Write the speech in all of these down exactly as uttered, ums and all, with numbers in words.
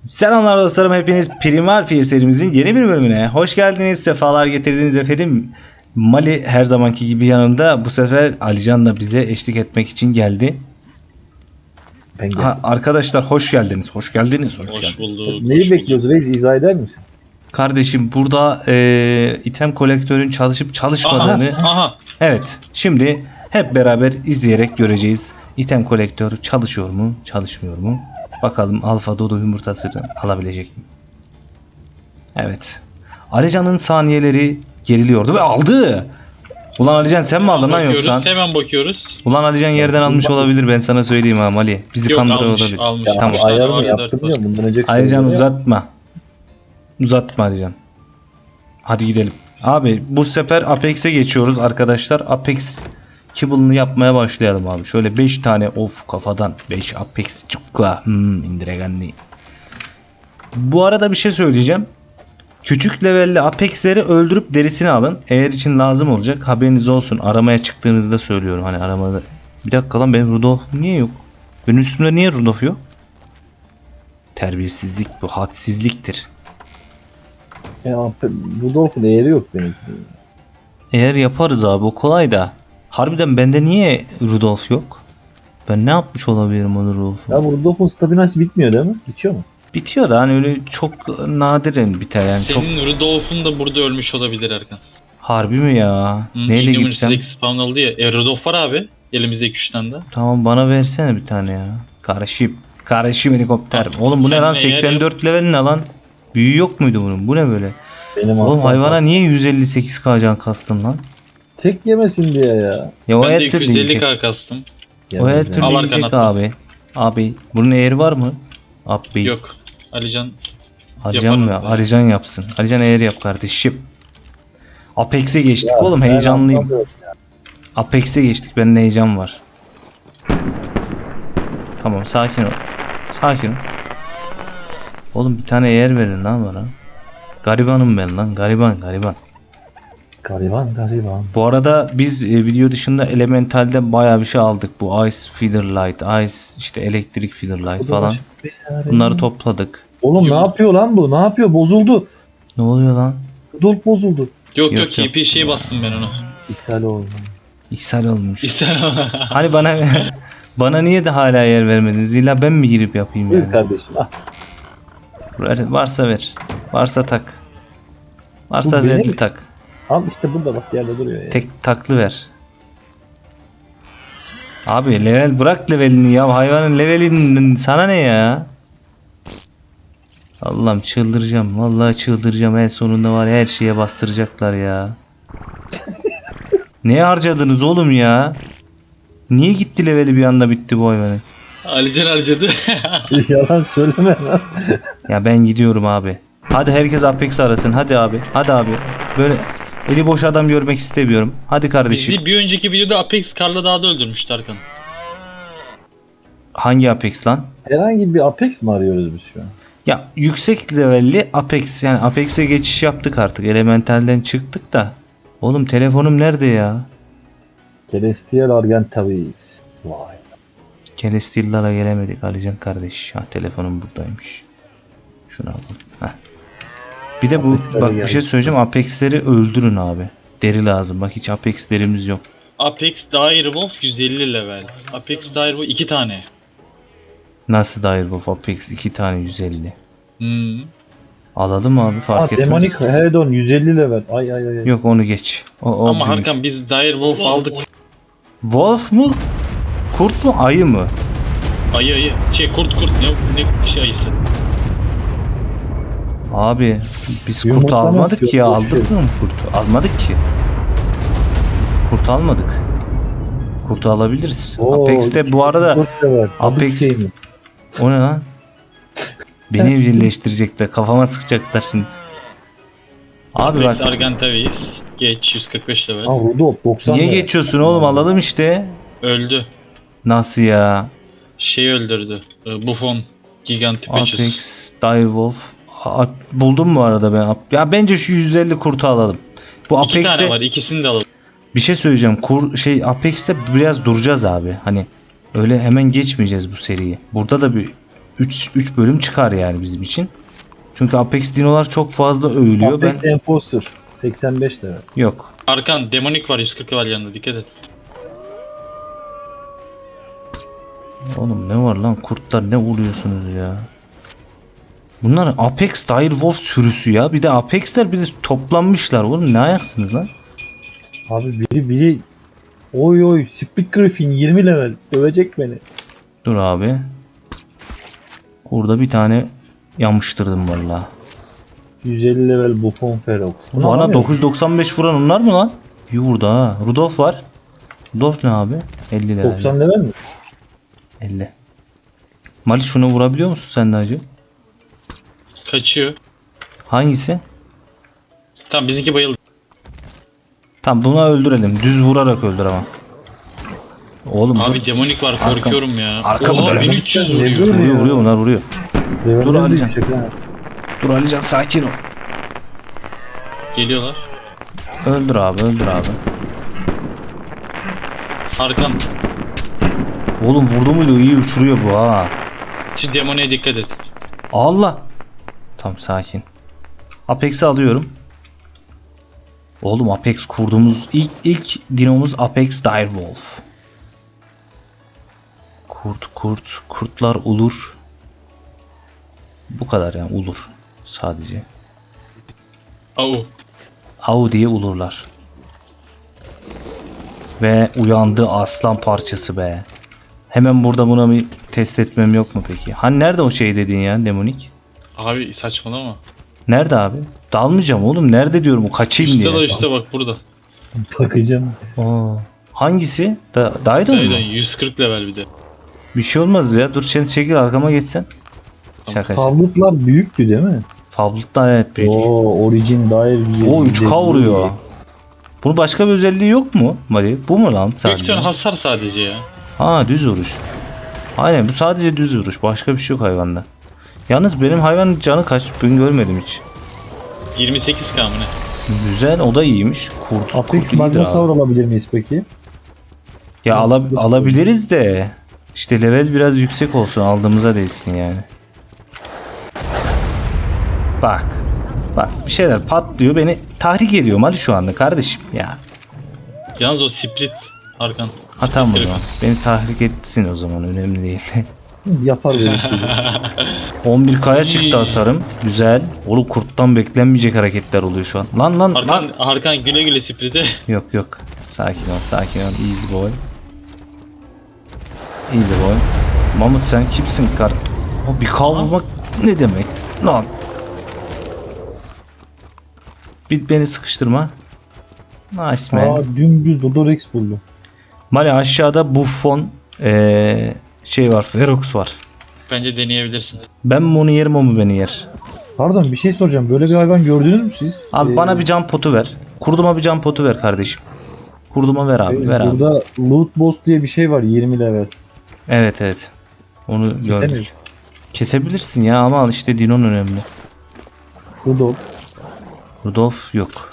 Selamlar dostlarım, hepiniz Primal Fear serimizin yeni bir bölümüne hoş geldiniz, sefalar getirdiniz efendim. Mali her zamanki gibi yanımda, bu sefer Alican da bize eşlik etmek için geldi. Ben Ha, arkadaşlar hoş geldiniz, hoş geldiniz, hoş, Hoş geldiniz. bulduk. Neyi hoş bekliyoruz bulduk. reis, izah eder misin? Kardeşim burada e, item kolektörün çalışıp çalışmadığını, Aha, aha. evet, şimdi hep beraber izleyerek göreceğiz. İtem kolektör çalışıyor mu, çalışmıyor mu? Bakalım Alfa Dodo yumurtasını alabilecek mi? Evet. Alican'ın saniyeleri geriliyordu ve aldı. Ulan Alican sen mi aldın lan Bakıyoruz, yoksa? hemen bakıyoruz. Ulan Alican yerden almış olabilir, ben sana söyleyeyim ha Mali. Bizi Yok, kandırıyor almış, olabilir. almış. Ya Tamam. Üç tane ayarını var ya, dört yaptım ya var. bundan önceki Alican soruları yap. uzatma. Uzatma Alican. Hadi gidelim. Abi bu sefer Apex'e geçiyoruz arkadaşlar. Apex Kibble'ını yapmaya başlayalım abi. Şöyle beş tane of kafadan. beş Apex çıkka. Hmm, indiregenli. Bu arada bir şey söyleyeceğim. Küçük levelli Apex'leri öldürüp derisini alın. Eğer için lazım olacak, haberiniz olsun. Aramaya çıktığınızda söylüyorum. Hani aramada. Bir dakika lan, benim Rudolf niye yok? Benim üstümde niye Rudolf yok? Terbiyesizlik bu. Hadsizliktir. Ya Rudolf'un değeri yok demek ki. Eğer yaparız abi, o kolay da. Harbiden bende niye Rudolf yok? Ben ne yapmış olabilirim onu Rudolf'u? Ya bu Rudolf'un staminası bitmiyor değil mi? Bitiyor mu? Bitiyor da hani öyle çok nadiren biter yani. Çok Senin Rudolf'un da burada ölmüş olabilir Erkan. harbi mi ya? Hı, Neyle Inhuman gitsem? Select spawn oldu ya. E, Rudolf var abi. Elimizde iki üç tane de. Tamam, bana versene bir tane ya. Karışım. Karışım helikopter. Tamam, Oğlum bu ne lan, kendine yer seksen dört level ne lan? Büyü yok muydu bunun? Bu ne böyle? Benim Oğlum aslan hayvana var. niye yüz elli sekiz K can kastın lan? Tek yemesin diye ya. Ya o Ben de her iki türlü yüz elli yiyecek. K kastım. O her Yemez türlü yani. Al yiyecek arkanı abi. Abi bunun eğri var mı? Abi. Yok. Alican Alican mı? yaparım ben. Alican yapsın. Alican eğer yap kardeşim. Apex'e geçtik Ya oğlum, ben heyecanlıyım. anlamıyorum ya. Apex'e geçtik, bende heyecan var. Tamam, sakin ol. Sakin ol. Oğlum bir tane yer verin lan bana. Garibanım ben lan, gariban gariban. Gariban gariban. Bu arada biz e, video dışında Elemental'de bayağı bir şey aldık. Bu Ice Feeder Light, Ice işte elektrik Feeder Light falan. Bunları topladık. Oğlum ne yapıyor lan bu? Ne yapıyor? Bozuldu. Ne oluyor lan? Rudolf bozuldu. Yok Yok, yok, yok. E P şey bastım ben onu. İshal oldu. İshal olmuş. İster Hani bana bana niye de hala yer vermediniz? İlla ben mi girip yapayım Buyur yani? kardeşim. Ah, Ver- Varsa ver. Varsa tak. Varsa Bu benim verdi mi? tak. al işte burada bak yerde duruyor ya. Tek taklı ver. Abi level bırak levelini ya. Hayvanın levelinin sana ne ya? Allah'ım çıldıracağım. Vallahi çıldıracağım. En sonunda var ya, her şeye bastıracaklar ya. Neye harcadınız oğlum ya? Niye gitti leveli bir anda bitti bu hayvanın? Alican harcadı. Yalan söyleme lan. Ya ben gidiyorum abi. Hadi herkes Apex arasın. Hadi abi. Hadi abi. Böyle eli boş adam görmek istemiyorum. Hadi kardeşim. Bizi bir önceki videoda Apex Karla Dağ'da öldürmüştü Erkan. Hangi Apex lan? Herhangi bir Apex mi arıyoruz biz şu an? Ya yüksek levelli Apex, yani Apex'e geçiş yaptık artık. Elemental'den çıktık da. Oğlum telefonum nerede ya? Celestial Argentavis. Vay. Celestial'lara gelemedik Alican kardeş. Ha, telefonum buradaymış. Şunu alalım. Heh. Bir de bu Apex'lere bak bir geldik. şey söyleyeceğim. Apex'leri öldürün abi. Deri lazım. Bak hiç Apex derimiz yok. Apex Direwolf yüz elli level. Apex Direwolf iki tane. Nasıl Direwolf Apex iki tane yüz elli. Hmm. Alalım abi, fark Aa, etmez. Demonic Head-on yüz elli level. Ay ay ay. Yok onu geç. O, o Ama büyük. Harkan biz Direwolf aldık. Wolf mu? Kurt mu? Ayı mı? Ayı ayı. Şey kurt kurt ne, ne şey ayısı. Abi biz kurt Yumurta almadık nasıl ki ya, yok? aldık Boş mı kurtu? Almadık ki. Kurt almadık. Kurtu alabiliriz. Oo, Apex'te bu arada dört level. Apex- Apex Game'in. o ne lan? Beni evcilleştirecekler, kafama sıkacaklar şimdi. Abi Apex bak, Argentavis. Geç yüz kırk beş level. Aa Rudolf doksan niye level. geçiyorsun oğlum, alalım işte. Öldü. Nasıl ya? Şey öldürdü. e, Buffon. Gigantipechus. Apex, Direwolf. A- buldum bu arada ben. Ya bence şu yüz elli kurtu alalım. Bu İki tane Apex'te var. İkisini de alalım. bir şey söyleyeceğim. Kur şey Apex'te biraz duracağız abi. Hani öyle hemen geçmeyeceğiz bu seriyi. Burada da bir üç üç bölüm çıkar yani bizim için. Çünkü Apex dinolar çok fazla övülüyor. Apex Ben Enforcer seksen beş level. yok. Arkan demonik var yüz kırk level yanında, dikkat et. Oğlum ne var lan, kurtlar ne vuruyorsunuz ya? Bunlar Apex Direwolf sürüsü ya. Bir de Apex'ler bir de toplanmışlar. Oğlum ne ayaksınız lan? Abi biri biri oy oy Split Griffin yirmi level dövecek beni. Dur abi. Burada bir tane yamıştırdım vallahi. yüz elli level Buffon Ferox. Bunu Bana alamıyorum. dokuz yüz doksan beş vuran onlar mı lan? İyi vurdu ha. Rudolf var. Rudolf ne abi? elli level. doksan level mi? elli. Mali şunu vurabiliyor musun sen de hacı? Kaçıyor. Hangisi? Tamam, bizimki bayıldı. Tamam, buna öldürelim. Düz vurarak öldür ama. Oğlum Abi dur. demonik var, Arkam- korkuyorum ya. arkamı Oha, dönelim. bin üç yüz Ne vuruyor. böyle? Vuruyor vuruyor bunlar vuruyor. Level'den Dur de Alican. yüksek ha. Dur Alican sakin ol. Geliyorlar. Öldür abi öldür abi. Arkan. Oğlum vurdu muydu, iyi uçuruyor bu ha. Şu demoniye dikkat et. Allah. Tamam sakin. Apex'i alıyorum. Oğlum Apex kurduğumuz ilk ilk dinomuz Apex Direwolf. Kurt kurt kurtlar ulur. Bu kadar yani, ulur sadece. Au. Au diye ulurlar. Ve uyandı aslan parçası be. Hemen burada buna bir test etmem yok mu peki? Hani nerede o şey dediğin ya, demonik? Abi saçmalama. Nerede abi? Dalmayacağım oğlum. Nerede diyorum, o kaçayım Üstte diye. da üstte bak burada. Bakacağım. Aa, hangisi? Da Daidon mu? Daydan yüz kırk level bir de. Bir şey olmaz ya. Dur sen çekil arkama geçsen. Şaka şaka. Tabletlar büyüktü değil mi? Fablet'tan evet büyük. Oo Origin Dire O üç K vuruyor. Bunun başka bir özelliği yok mu Mali? Bu mu lan Büyük sadece? ihtimal hasar sadece ya. Ha, düz vuruş. Aynen, bu sadece düz vuruş. Başka bir şey yok hayvanda. Yalnız benim hayvanın canı kaç? Ben görmedim hiç. yirmi sekiz K mı ne? Güzel, o da iyiymiş. Kurt, Apex kurt iyidir abi. Magnosaur alabilir miyiz peki? Ya ala- alabiliriz de işte level biraz yüksek olsun, aldığımıza değsin yani. Bak. Bak bir şeyler patlıyor, beni tahrik ediyor Mali şu anda kardeşim ya. Yalnız o split Arkan. Ha Split tamam o direkt. zaman. Beni tahrik etsin o zaman, önemli değil. Yapar böyle bir şey. on bir K'ya çıktı hasarım. Güzel. Oğlum kurttan beklenmeyecek hareketler oluyor şu an. Lan lan Arkan, lan. Arkan güle güle split'e. Yok yok. Sakin ol sakin ol. Easy boy. Easy boy. Mamut sen kimsin kar? O bir kavurmak ne demek? Lan. Bir beni sıkıştırma. Nice man. Aa dümdüz Dodorex buldum. Mali aşağıda Buffon ee, şey var, Ferox var. Bence deneyebilirsin. Ben mi onu yerim, o mu beni yer? Pardon bir şey soracağım. Böyle bir hayvan gördünüz mü siz? Abi Ee, bana bir can potu ver. Kurduma bir can potu ver kardeşim. Kurduma ver abi, evet, ver abi. burada Loot Boss diye bir şey var yirmi level. Evet evet. Onu Kesemeyiz. gördük. Kesebilirsin ya ama işte Dinon önemli. Rudolf. Rudolf yok.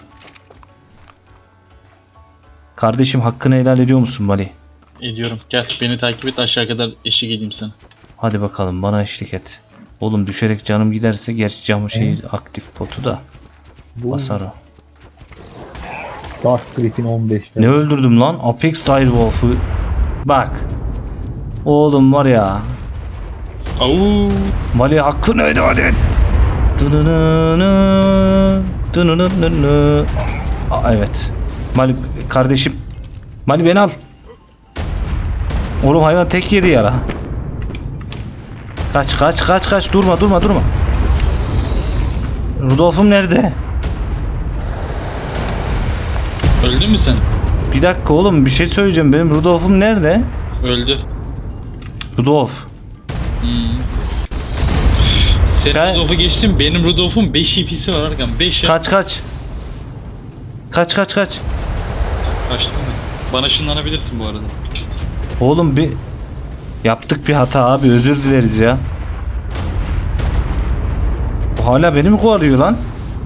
Kardeşim hakkını helal ediyor musun Mali? Ediyorum. Gel beni takip et, aşağı kadar eşlik edeyim sana. Hadi bakalım, bana eşlik et. Oğlum düşerek canım giderse, gerçi camı şey aktif potu da Bu basar o. Dark Griffin on beş Ne level. öldürdüm lan? Apex Direwolf'u. Bak. Oğlum var ya. Au. Mali hakkını helal et. Dınınını, dınınını. Aa, evet. Mali kardeşim. Mali beni al. Oğlum hayvan tek yedi ya la. Kaç kaç kaç kaç, durma durma durma. Rudolf'um nerede? Öldün mü sen? Bir dakika oğlum, bir şey söyleyeceğim, benim Rudolf'um nerede? Öldü. Rudolf. Hmm. Sen Ben- Rudolf'u geçtin, benim Rudolf'un beş E P'si var Arkan. beş ya. Kaç kaç. Kaç kaç kaç. Kaçtın mı? Bana ışınlanabilirsin bu arada. Oğlum bir yaptık bir hata abi, özür dileriz ya. Bu hala beni mi kovalıyor lan?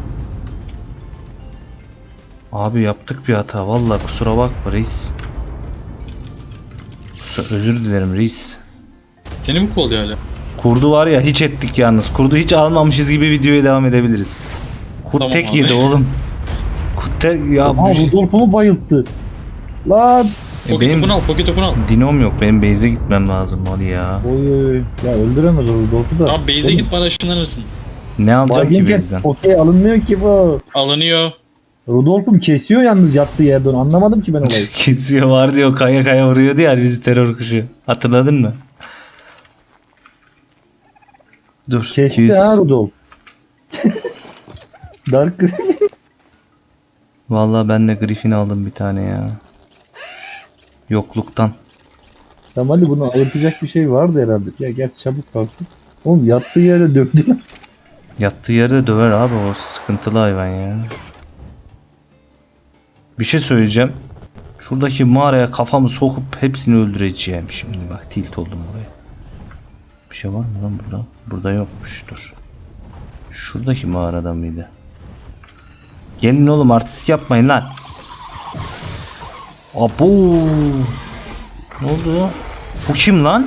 Abi yaptık bir hata, vallahi kusura bakma reis. Kusura, özür dilerim reis. Seni mi kovalıyor hala? Kurdu var ya hiç ettik yalnız. Kurdu hiç almamışız gibi videoya devam edebiliriz. Kurt Tamam tek abi. yedi oğlum. Kurt tek ya Aha bu şey- Rudolf'umu bayılttı. Lan. E, Pocket benim topunu al, pocket topunu al. dinom yok. Benim base'e gitmem lazım hadi ya. Oy oy. Ya öldüremez o Rudolf'u da. Tamam base'e git bana ışınlanırsın. Ne alacağım ki Baygınken base'den? okey alınmıyor ki bu. Alınıyor. Rudolf'um kesiyor yalnız yattığı yerden. Anlamadım ki ben olayı. Kesiyor var diyor kaya kaya vuruyordu ya bizi terör kuşu. Hatırladın mı? Dur. Kesti iki yüz. ha Rudolf. Dark Griffin. Vallahi ben de Griffin aldım bir tane ya. Yokluktan. Tamam hadi bunu ayırtacak bir şey vardı herhalde. Ya gel çabuk kalktı. Oğlum yattığı yere döktü lan. Yattığı yerde döver abi o sıkıntılı hayvan ya. Bir şey söyleyeceğim. Şuradaki mağaraya kafamı sokup hepsini öldüreceğim şimdi. Bak tilt oldum buraya. Bir şey var mı lan burada? Burada yokmuş dur. Şuradaki mağarada mıydı? Gelin oğlum artist yapmayın lan. Abo. Ne oldu? Bu kim lan?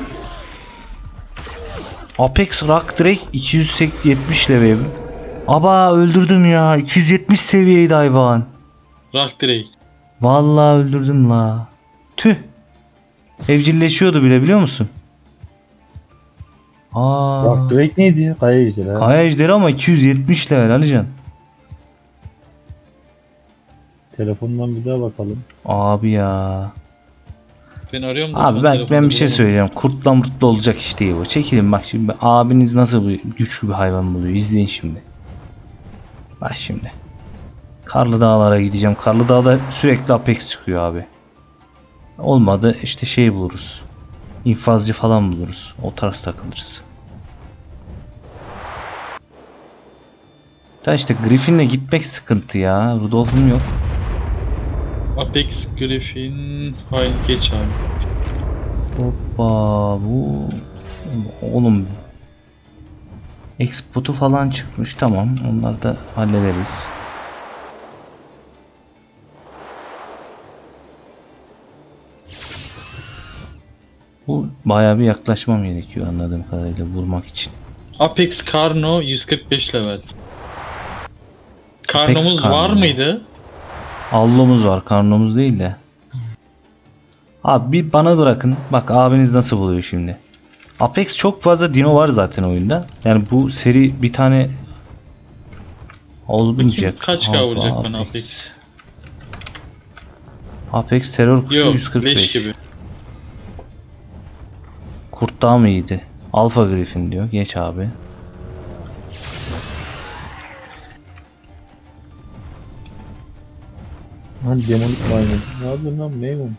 Apex Rock Drake iki yüz yetmiş level. Aba öldürdüm ya. iki yüz yetmiş seviyeydi hayvan. Rock direkt. Vallahi öldürdüm la. Tüh. Evcilleşiyordu bile biliyor musun? Aa. Bak Drake neydi? Kaya ejderi ha. Kaya ejderi ama iki yüz yetmiş level Alican. Telefondan bir daha bakalım. Abi ya. Ben arıyorum da. Abi şu an ben telefonda ben bir şey bulamadım. söyleyeceğim. Kurtla murtla olacak iş değil bu. Çekilin bak şimdi. Abiniz nasıl bir güçlü bir hayvan buluyor. İzleyin şimdi. Bak şimdi. Karlı Dağlara gideceğim. Karlı Dağ'da sürekli Apex çıkıyor abi. Olmadı işte şey buluruz. İnfazcı falan buluruz. O tarz takılırız. Da işte Griffin'le gitmek sıkıntı ya. Rudolph'um yok. Apex Griffin. Hayır geç abi. Hoppa bu oğlum Export'u falan çıkmış tamam onları da hallederiz. Bu bayağı bir yaklaşmam gerekiyor anladığım kadarıyla vurmak için. Apex Karno yüz kırk beş level. Karnomuz Karno. var mıydı? Allomuz var karnımız değil de. Abi bir bana bırakın bak abiniz nasıl buluyor şimdi. Apex çok fazla dino var zaten oyunda. Yani bu seri bir tane olmayacak. Bakayım kaç K Abi, vuracak bana Apex? Apex terör kuşu Yok yüz kırk beş. leş gibi. Kurt daha mı iyiydi? Alpha Griffin diyor. Geç abi. Hani demonik maymun. Ne yapıyorsun lan maymun?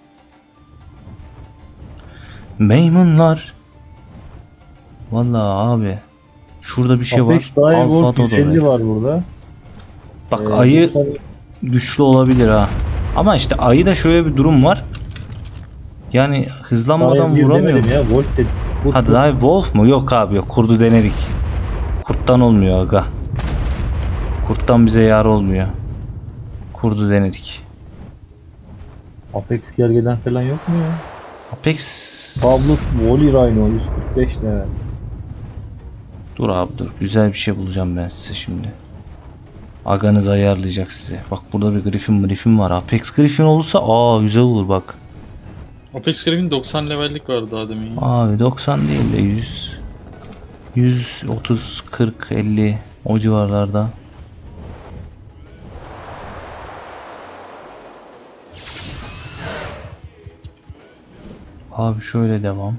Maymunlar. Vallahi abi. Şurada bir şey Apex var. Direwolf Alpha yüz elli Dodo. var burada. Bak Ee, ayı doksan güçlü olabilir ha. Ama işte ayı da şöyle bir durum var. Yani hızlanmadan Direwolf vuramıyor. demedim ya. Wolf dedim. Wolf Hadi dedim. ay Wolf mu? Yok abi yok. Kurdu denedik. Kurttan olmuyor aga. Kurttan bize yar olmuyor. Kurdu denedik. Apex gergeden falan yok mu ya? Apex. Pablo Wally Rhino yüz kırk beş level. Dur abi dur. Güzel bir şey bulacağım ben size şimdi. Aganız ayarlayacak size. Bak burada bir Griffin Griffin var. Apex Griffin olursa aa güzel olur bak. Apex Griffin doksan levellik vardı daha demin. Abi doksan değil de yüz. yüz otuz, kırk, elli o civarlarda. Abi şöyle devam.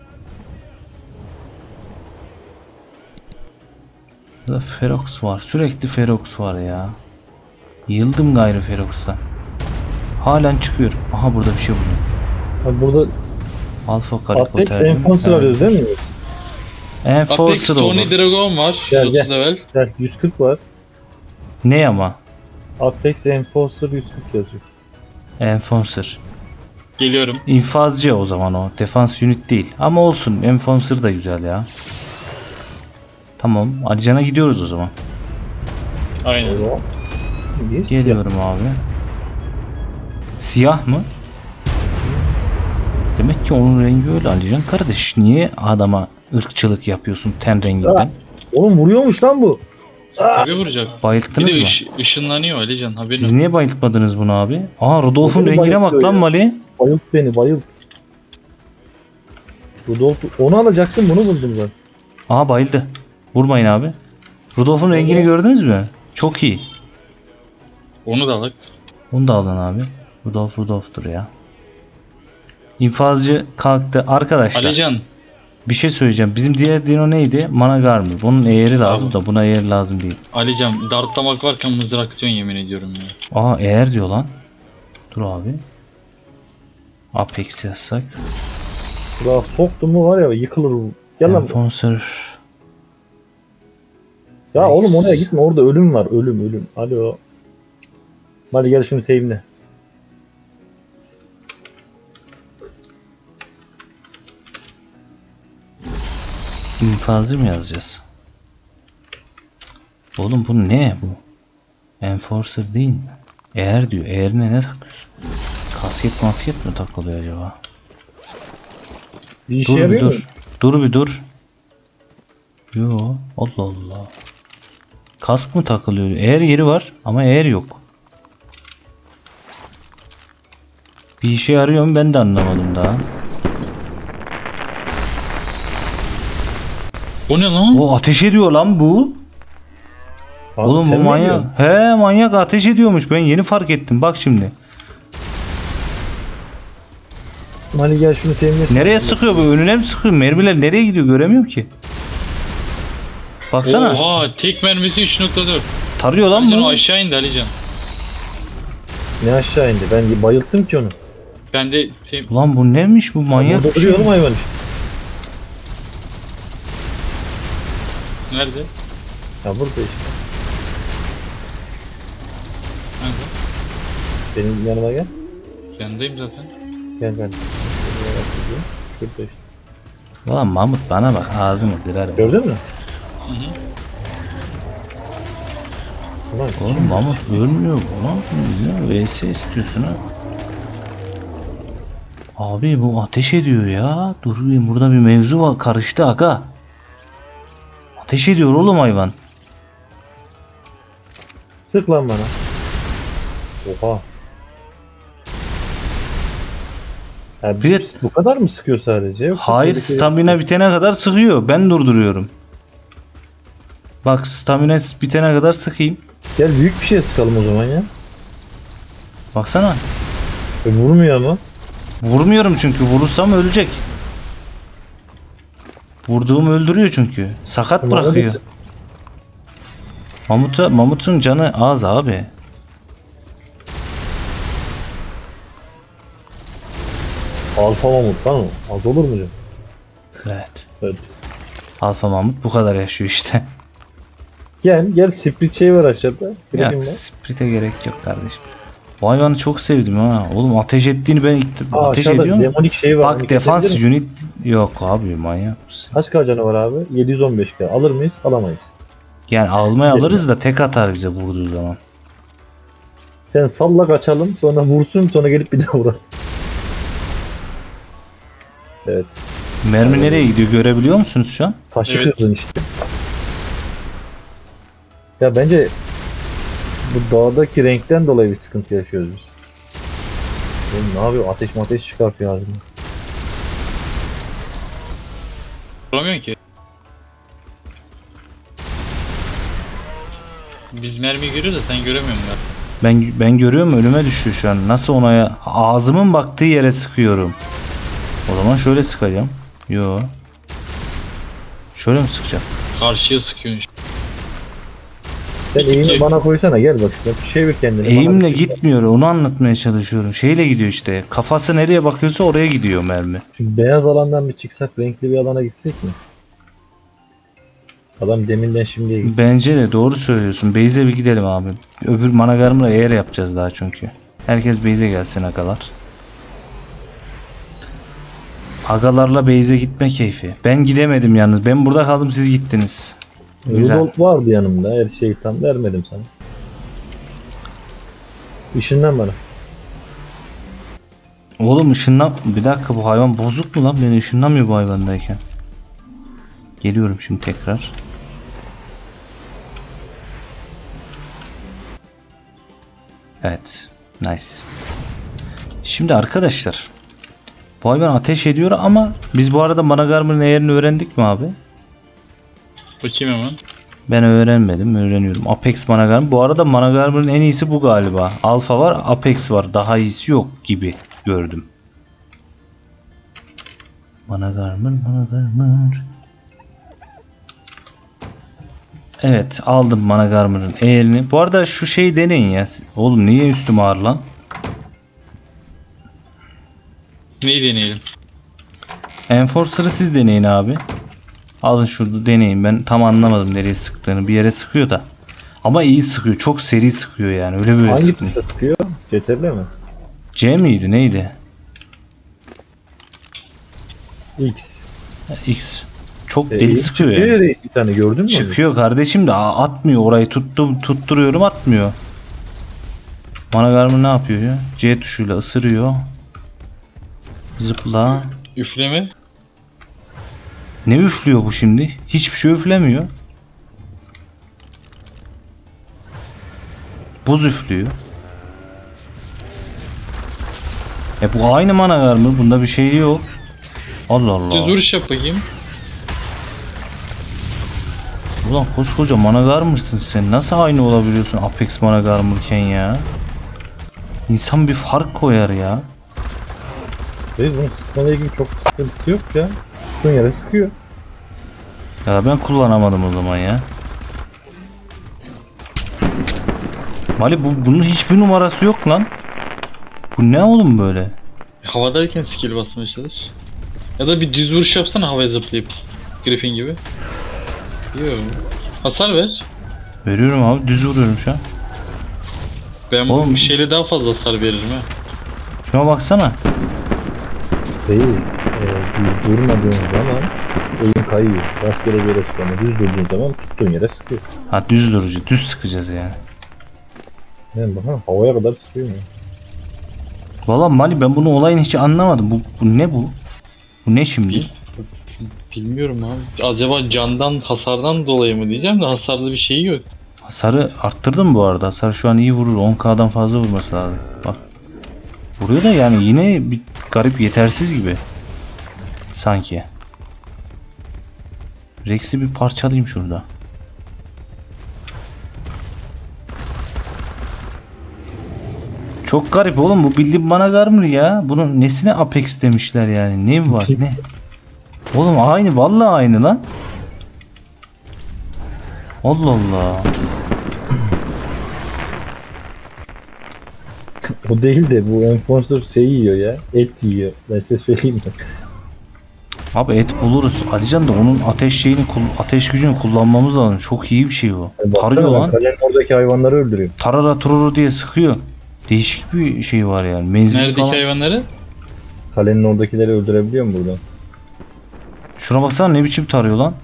Burada Ferox var. Sürekli Ferox var ya. Yıldım gayrı Ferox'tan. Halen çıkıyor. Aha burada bir şey buldum. Abi burada Alpha Apex Karikoter. Enforcer arıyoruz değil mi? Apex Enforcer Tony olur. Dragon var. Gel, yüz otuz gel. level. Gel yüz kırk var. Ne ama? Apex Enforcer yüz kırk yazıyor. Enforcer. Geliyorum. İnfazcı o zaman o. Defans unit değil. Ama olsun. Enforcer da güzel ya. Tamam. Alican'a gidiyoruz o zaman. Aynen. Oo. Yes, Geliyorum abi. Siyah mı? Demek ki onun rengi öyle Alican kardeş. Niye adama ırkçılık yapıyorsun ten renginden? Oğlum vuruyormuş lan bu. Tabii vuracak. Bir Bayılttınız de mı? ış, ışınlanıyor Alican haberin. Siz niye bayıltmadınız bunu abi? Aa Rudolf'un Beni rengine bak bayıltıyor lan ya. Mali. Bayılt beni bayılt. Rudolf onu alacaktım bunu buldum ben. Aha bayıldı. Vurmayın abi. Rudolf'un rengini gördünüz mü? Çok iyi. Onu da alak. Onu da alın abi. Rudolf Rudolf'tur ya. İnfazcı kalktı. Arkadaşlar Alican bir şey söyleyeceğim. Bizim diğer dino neydi? Managar mı? Bunun eğeri lazım da buna eğer lazım değil. Alican dartlamak varken mızrak atıyorsun yemin ediyorum ya. Aa eğer diyor lan. Dur abi. Apex yazsak. Daha soktum mu var ya yıkılır bu. Gel lan. Enforcer. Ya oğlum oraya gitme orada ölüm var ölüm ölüm. Alo. Hadi gel şunu teyimle. İnfazı mı yazacağız? Oğlum bu ne bu? Enforcer değil mi? Eğer diyor. Eğerine ne takıyorsun? Kasket masket mi takılıyor acaba? Bir işe Dur bir yarıyor mu? dur. Dur bir dur. Yo Allah Allah. Kask mı takılıyor? Eğer yeri var ama eğer yok. Bir işe yarıyor mu ben de anlamadım daha. O ne lan? O ateş ediyor lan bu. Abi Oğlum bu sen mi manyak. diyorsun? He manyak ateş ediyormuş. Ben yeni fark ettim. Bak şimdi. Hadi gel şunu teyimle. Nereye sıkıyor bu? Önüne mi sıkıyor? Mermiler nereye gidiyor? Göremiyorum ki. Baksana. Oha tek mermisi üç nokta dört. Tarıyor lan Alican o bu. aşağı indi Alican. Ne aşağı indi? Ben bayılttım ki onu. Ben de te- Ulan bu neymiş bu manyak? Burada bir şey. duruyor oğlum hayvan işte. nerede? Ya burada işte. Nerede? Benim yanıma gel. Yanındayım zaten. Gel gel. Şurada işte. Ulan Mahmut bana bak ağzını kırarım. Gördün mü? Hı hı. Ulan Oğlum Mahmut ölmüyor bu lan. Ya V S istiyorsun ha. Abi bu ateş ediyor ya. Dur bir burada bir mevzu var. Karıştı aga. Ateş ediyor oğlum hayvan. sık lan bana. Oha. Ya Bir- bir, bu kadar mı sıkıyor sadece? Yoksa Hayır şeydeki- stamina bitene kadar sıkıyor. Ben durduruyorum. Bak stamina bitene kadar sıkayım. Gel büyük bir şey sıkalım o zaman ya. Baksana. E, vurmuyor ama. Vurmuyorum çünkü. Vurursam ölecek. Vurduğum öldürüyor çünkü. Sakat Tamam, bırakıyor. hadi. Mamut'a, Mamut'un canı az abi. Alfa mamut lan o. Az olur mu canım? Evet. Evet. Alfa Mamut bu kadar yaşıyor işte. Gel gel split şey var aşağıda. Ya Bırakayım ben. sprite gerek yok kardeşim. Bu hayvanı çok sevdim ha. Oğlum ateş ettiğini ben ilk Aa, ateş aşağıda ediyor mu? demonik şey var. Onu Bak defans kesebilir miyim? unit yok abi manyak mısın? Kaç K canı var abi? yedi yüz on beş K. Alır mıyız? Alamayız. Yani almaya alırız da tek atar bize vurduğu zaman. Sen salla kaçalım sonra vursun sonra gelip bir daha vuralım. Evet. Mermi nereye gidiyor görebiliyor musunuz şu an? Taşı Evet. kırdın işte. Ya bence bu dağdaki renkten dolayı bir sıkıntı yaşıyoruz biz. Oğlum ne yapıyor? Ateş mateş çıkartıyor ağzından. Vuramıyorsun ki. Biz mermiyi görüyoruz da sen göremiyorsun ya. Ben ben görüyorum önüme düşüyor şu an. Nasıl ona ya? Ağzımın baktığı yere sıkıyorum. O zaman şöyle sıkacağım. Yo. Şöyle mi sıkacağım? Karşıya sıkıyorsun işte. Sen Peki, eğimi peki. bana koysana gel bak. Bak çevir kendini. bana Eğimle bir şey- gitmiyor. Onu anlatmaya çalışıyorum. Şeyle gidiyor işte. Kafası nereye bakıyorsa oraya gidiyor mermi. Şu beyaz alandan bir çıksak renkli bir alana gitsek mi? Adam deminden şimdiye gitti. Bence de doğru söylüyorsun. Beyze bir gidelim abi. Öbür managarımla eğer yapacağız daha çünkü. Herkes Beyze gelsin agalar. Agalarla Beyze gitme keyfi. Ben gidemedim yalnız. Ben burada kaldım siz gittiniz. Güzel. Rudolf vardı yanımda. Her şeyi tam vermedim sana. İşinden bana. Oğlum ışınlan... Bir dakika bu hayvan bozuk mu lan? Beni ışınlamıyor bu hayvandayken. Geliyorum şimdi tekrar. Evet. Nice. Şimdi arkadaşlar. Bu hayvan ateş ediyor ama biz bu arada Managarm'ın eğerini öğrendik mi abi? Bakayım hemen. Ben öğrenmedim. Öğreniyorum. Apex Managarm. Bu arada Managarm'ın en iyisi bu galiba. Alpha var. Apex var. Daha iyisi yok gibi gördüm. Managarm'ın Managarm'ın. Evet. Aldım Managarm'ın eğerini. Bu arada şu şeyi deneyin ya. Oğlum niye üstüm ağır lan? Neyi deneyelim? Enforcer'ı siz deneyin abi. Alın şurada deneyin. Ben tam anlamadım nereye sıktığını. Bir yere sıkıyor da. Ama iyi sıkıyor. Çok seri sıkıyor yani. Öyle böyle Hangi sıkmıyor. tuşa sıkıyor? C T R L mi? C miydi? Neydi? X. X. Çok E, deli X sıkıyor çıkıyor yani. ya reis, bir tane gördün mü? onu? Çıkıyor kardeşim de a- atmıyor orayı. Tuttum, tutturuyorum atmıyor. Managarmı ne yapıyor ya? C tuşuyla ısırıyor. Zıpla. Üfleme. Ne üflüyor bu şimdi? Hiçbir şey üflemiyor. Buz üflüyor. E bu aynı Managarmı. Bunda bir şey yok. Allah Allah. Düz vuruş yap bakayım. Ulan koskoca Managarmır'sın sen. Nasıl aynı olabiliyorsun Apex Managarmırken ya? İnsan bir fark koyar ya. Reis bunun sıkmayla ilgili çok sıkıntısı yok ya. Sıkın yere sıkıyor. Ya ben kullanamadım o zaman ya. Mali bu, bunun hiçbir numarası yok lan. Bu ne oğlum böyle? Havadayken skill basmaya çalış. Ya da bir düz vuruş yapsana havaya zıplayıp. Griffin gibi. Yok. Hasar ver. Veriyorum abi düz vuruyorum şu an. Ben Oğlum. bu şeyle daha fazla hasar veririm ha. Şuna baksana. Reis, e, düz durmadığın zaman elin kayıyor. Rastgele bir yere sıkıyor ama düz durduğun zaman tuttuğun yere sıkıyor. Ha düz durucu. Düz sıkacağız yani. Yani bak ha, havaya kadar sıkıyor mu? Valla Mali ben bunu olayını hiç anlamadım. Bu, bu ne bu? Bu ne şimdi? Bil- Bilmiyorum abi. Acaba candan, hasardan dolayı mı diyeceğim de hasarlı bir şey yok. Hasarı arttırdım bu arada. Hasar şu an iyi vurur. on K'dan fazla vurması lazım. Bak. Vuruyor da yani yine bir garip yetersiz gibi. Sanki. Rex'i bir parçalayayım şurada. Çok garip oğlum bu bildiğin Managarmr ya. Bunun nesine Apex demişler yani. Ne var ne? Oğlum aynı vallahi aynı lan. Allah Allah. O değil de bu Enforcer şey yiyor ya. Et yiyor. Ben size söyleyeyim mi? Abi et buluruz. Alican da onun ateş şeyini kul- ateş gücünü kullanmamız lazım. Çok iyi bir şey bu. Yani Tarıyor baksana ben lan. kalenin oradaki hayvanları öldürüyor. Tarara tururu diye sıkıyor. Değişik bir şey var yani. Menzil Neredeki falan. hayvanları? Kalenin oradakileri öldürebiliyor mu buradan? Şuna baksana ne biçim tarıyor lan.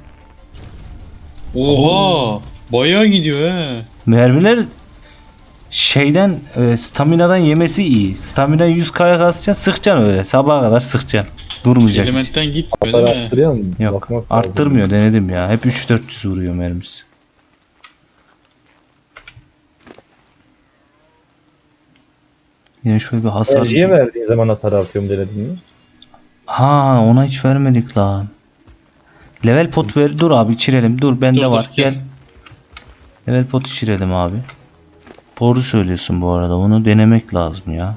Oha! Bayağı gidiyor he. Mermiler şeyden e, staminadan yemesi iyi. Stamina yüz K'ya kasacaksın sıkacaksın öyle. Sabaha kadar sıkacaksın. Durmayacak hiç. Elementten gitmiyor Hasar değil mi? arttırıyor mu? Yok. Bakmak lazım. Arttırmıyor denedim ya. Hep üç dört yüz vuruyor mermisi. Yine şöyle bir hasar. Enerjiye verdiğin zaman hasar artıyor mu denedin mi? Ha ona hiç vermedik lan. Level pot ver. Dur abi içirelim. Dur bende Dur, dur, var. gel. Gel. Level pot içirelim abi. Doğru söylüyorsun bu arada. Onu denemek lazım ya.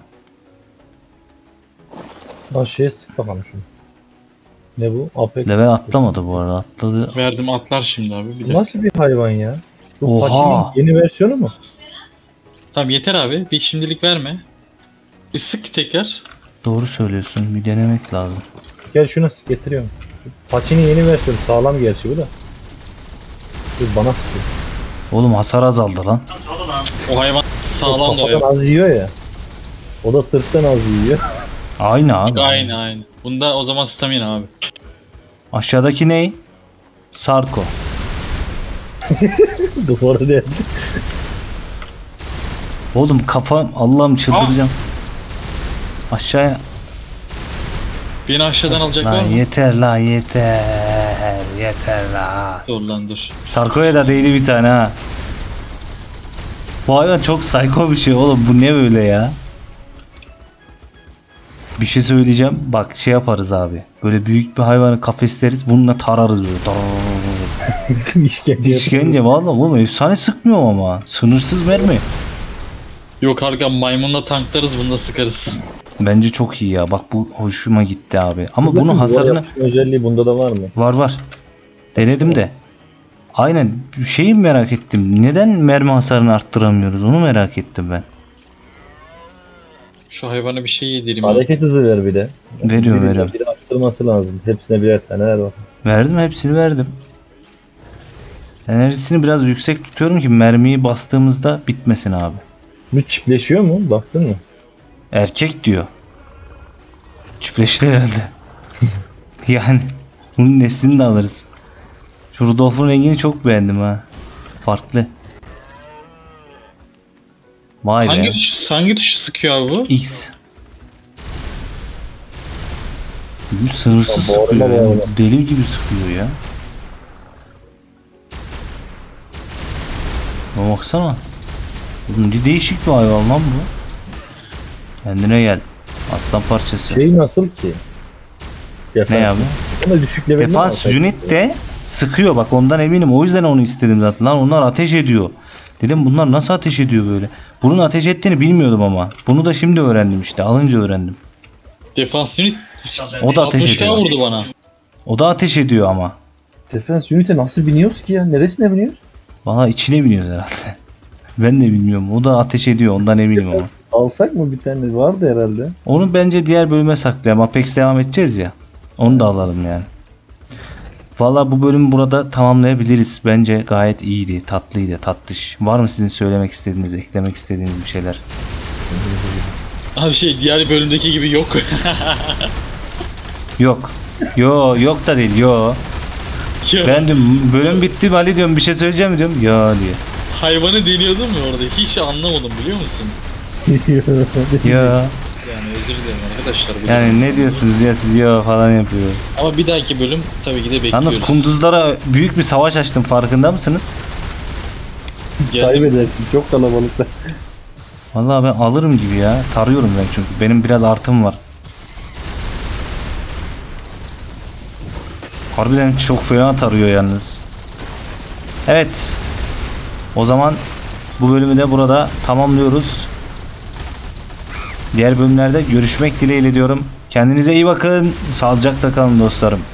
Lan şeye sık bakalım şunu. Ne bu? Apex. Level atlamadı bu arada. Atladı. Verdim atlar şimdi abi. Bir Bu dakika. nasıl bir hayvan ya? Bu Oha! Pachi'nin yeni versiyonu mu? Tamam yeter abi. Bir şimdilik verme. Bir sık tekrar. Doğru söylüyorsun. Bir denemek lazım. Gel şuna sık getiriyorum. Pachi'nin yeni versiyonu sağlam gerçi bu da. Dur bana sıkıyor. Oğlum hasar azaldı lan. O hayvan sağlam da o Kafadan hayvan. az yiyor ya. O da sırttan az yiyor. Aynı abi. Aynı aynı. Bunda o zaman stamina abi. Aşağıdaki ne? Sarko. Duvara değdi. Oğlum kafam Allah'ım çıldıracağım. Aşağıya. Beni aşağıdan alacaklar Lan mı? yeter lan yeter. yeter la. Dur lan dur. Sarko'ya da değdi bir tane ha. Bu hayvan çok psycho bir şey oğlum, bu ne böyle ya? Bir şey söyleyeceğim. Bak şey yaparız abi. Böyle büyük bir hayvanı kafesleriz. Bununla tararız böyle. Tararız. Bizim işkence İşkence valla oğlum, efsane sıkmıyor ama. Sınırsız mermi. Yok Arkan, maymunla tanklarız, bunda sıkarız. Bence çok iyi ya. Bak bu hoşuma gitti abi. Ama Bakın, bunun duvar hasarını yapışma özelliği bunda da var mı? var var. Denedim de. Aynen şeyi merak ettim. Neden mermi hasarını arttıramıyoruz? Onu merak ettim ben. Şu hayvana bir şey yedireyim. abi. Hareket hızı ver bir de. Veriyorum, Biri- veriyorum. Biri arttırması lazım. Hepsine birer tane ver bak. Verdim, hepsini verdim. Enerjisini biraz yüksek tutuyorum ki mermiyi bastığımızda bitmesin abi. Bu çiftleşiyor mu? Baktın mı? Erkek diyor. Çiftleşti herhalde. Yani bunun neslini de alırız. Şu Rudolf'un rengini çok beğendim ha. Farklı. Vay Hangi be. tuş, hangi tuşu sıkıyor abi bu? X. Bu sınırsız Ya, bağırma, sıkıyor ya. bağırma. Deli gibi sıkıyor ya. Ama baksana. Oğlum ne değişik bir hayvan lan bu. Kendine gel. Aslan parçası. Şey nasıl ki? Defans. Ne abi? Ama düşük levelini Defans alsak. unit de sıkıyor, bak ondan eminim. O yüzden onu istedim zaten. Lan onlar ateş ediyor. Dedim bunlar nasıl ateş ediyor böyle. Bunun ateş ettiğini bilmiyordum ama. Bunu da şimdi öğrendim işte. Alınca öğrendim. Defans unit O da ateş altmış K ediyor. vurdu bana. O da ateş ediyor ama. Defans unit'e nasıl biniyoruz ki ya? Neresine biniyoruz? Valla içine biniyoruz herhalde. Ben de bilmiyorum. O da ateş ediyor. Ondan eminim ama. Alsak mı bir tane? Vardı herhalde. Onu bence diğer bölüme saklayalım. Apex devam edeceğiz ya. Onu da alalım yani. Valla bu bölümü burada tamamlayabiliriz. Bence gayet iyiydi. Tatlıydı. Tatlış. Var mı sizin söylemek istediğiniz, eklemek istediğiniz bir şeyler? Abi şey, diğer bölümdeki gibi yok. Yok. Yo yok da değil. Yo. Ya, Ben diyorum bölüm bitti Ali diyorum, bir şey söyleyeceğim mi diyorum. Ya diyor. hayvanı deniyordum ya orada. Hiç anlamadım biliyor musun? Ya. Yani özür dilerim arkadaşlar. Bu Yani ne diyorsunuz ya siz ya falan yapıyor. Ama bir dahaki bölüm tabii ki de bekliyoruz. Yalnız kunduzlara büyük bir savaş açtım, farkında mısınız? Geldim. Kaybedersin. Çok kalabalıkta. Vallahi ben alırım gibi ya. Tarıyorum ben çünkü. Benim biraz artım var. Harbiden çok fena tarıyor yalnız. Evet. O zaman bu bölümü de burada tamamlıyoruz. Diğer bölümlerde görüşmek dileğiyle diyorum. Kendinize iyi bakın. Sağlıcakla kalın dostlarım.